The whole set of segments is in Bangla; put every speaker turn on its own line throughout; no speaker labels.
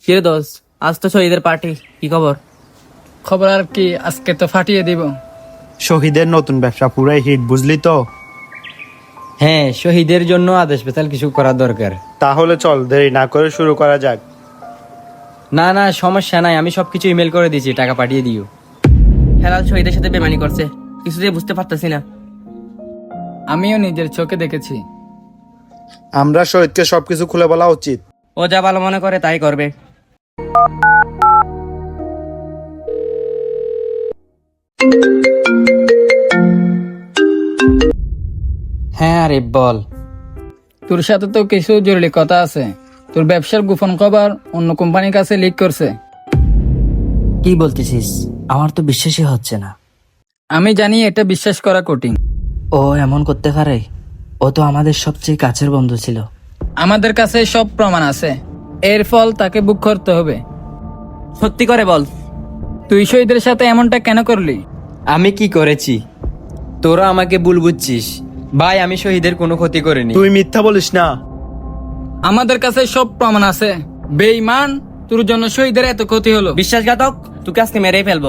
কিরে দোস্ত, আজ তো শহীদের পার্টি, কি খবর?
খবর আর কি, আজকে তো ফাটিয়ে দিব।
শহীদের নতুন ব্যবসা পুরাই হিট, বুঝলি তো?
হ্যাঁ, শহীদের জন্য আদেশ স্পেশাল কিছু করা দরকার।
তাহলে চল দেরি না করে শুরু করা যাক।
না না, সমস্যা নাই, আমি সবকিছু ইমেল করে দিয়েছি, টাকা পাঠিয়ে দিও।
হেলাল শহীদের সাথে বেমানি করছে, কিছুতেই বুঝতে পারতেছি না।
আমিও নিজের চোখে দেখেছি।
আমরা শহীদকে সবকিছু খুলে বলা উচিত।
ও যা ভালো মনে করে তাই করবে।
হ্যাঁ আরে বল।
তোর সাথে তো কিছু জরুরি কথা আছে। তোর ব্যবসার গোপন খবর অন্য কোম্পানির কাছে লিক করছে।
কি বলতেছিস? আমার তো বিশ্বাসই হচ্ছে না।
আমি জানি এটা বিশ্বাস করা কঠিন।
ও এমন করতে পারে? ও তো আমাদের সবচেয়ে কাছের বন্ধু ছিল।
আমাদের কাছে সব প্রমাণ আছে, এর ফল তাকে বুক করতে হবে।
সত্যি করে বল,
তুই শহীদের সাথে এমনটা কেন করলি?
আমি কি করেছি? তোরা আমাকে ভুল বুঝছিস। ভাই, আমি শহীদের কোনো ক্ষতি করিনি।
তুই মিথ্যা বলিস না।
আমাদের কাছে সব প্রমাণ আছে। বেঈমান, তোর জন্য শহীদের এত ক্ষতি হলো।
বিশ্বাসঘাতক, তোকে আজকে মেরেই ফেলবো।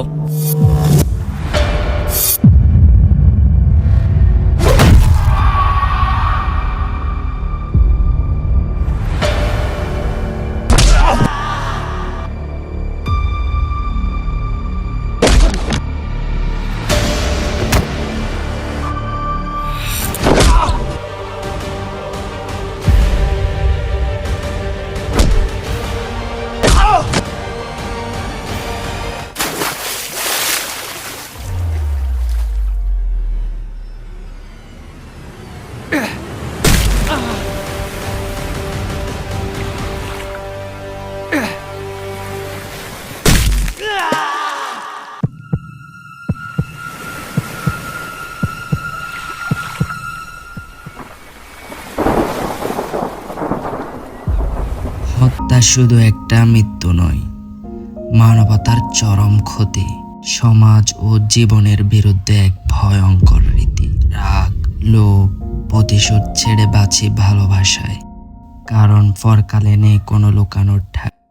হত্যা শুধু একটা মৃত্যু নয়, মানবতার চরম ক্ষতি, সমাজ ও জীবনের বিরুদ্ধে এক ভয়ঙ্কর রীতি। রাগ, লোভ, প্রতিশোধ ছেড়ে বাঁচি ভালোবাসায়, কারণ পরকালে নেই কোনো লুকানোর ঠাঁই।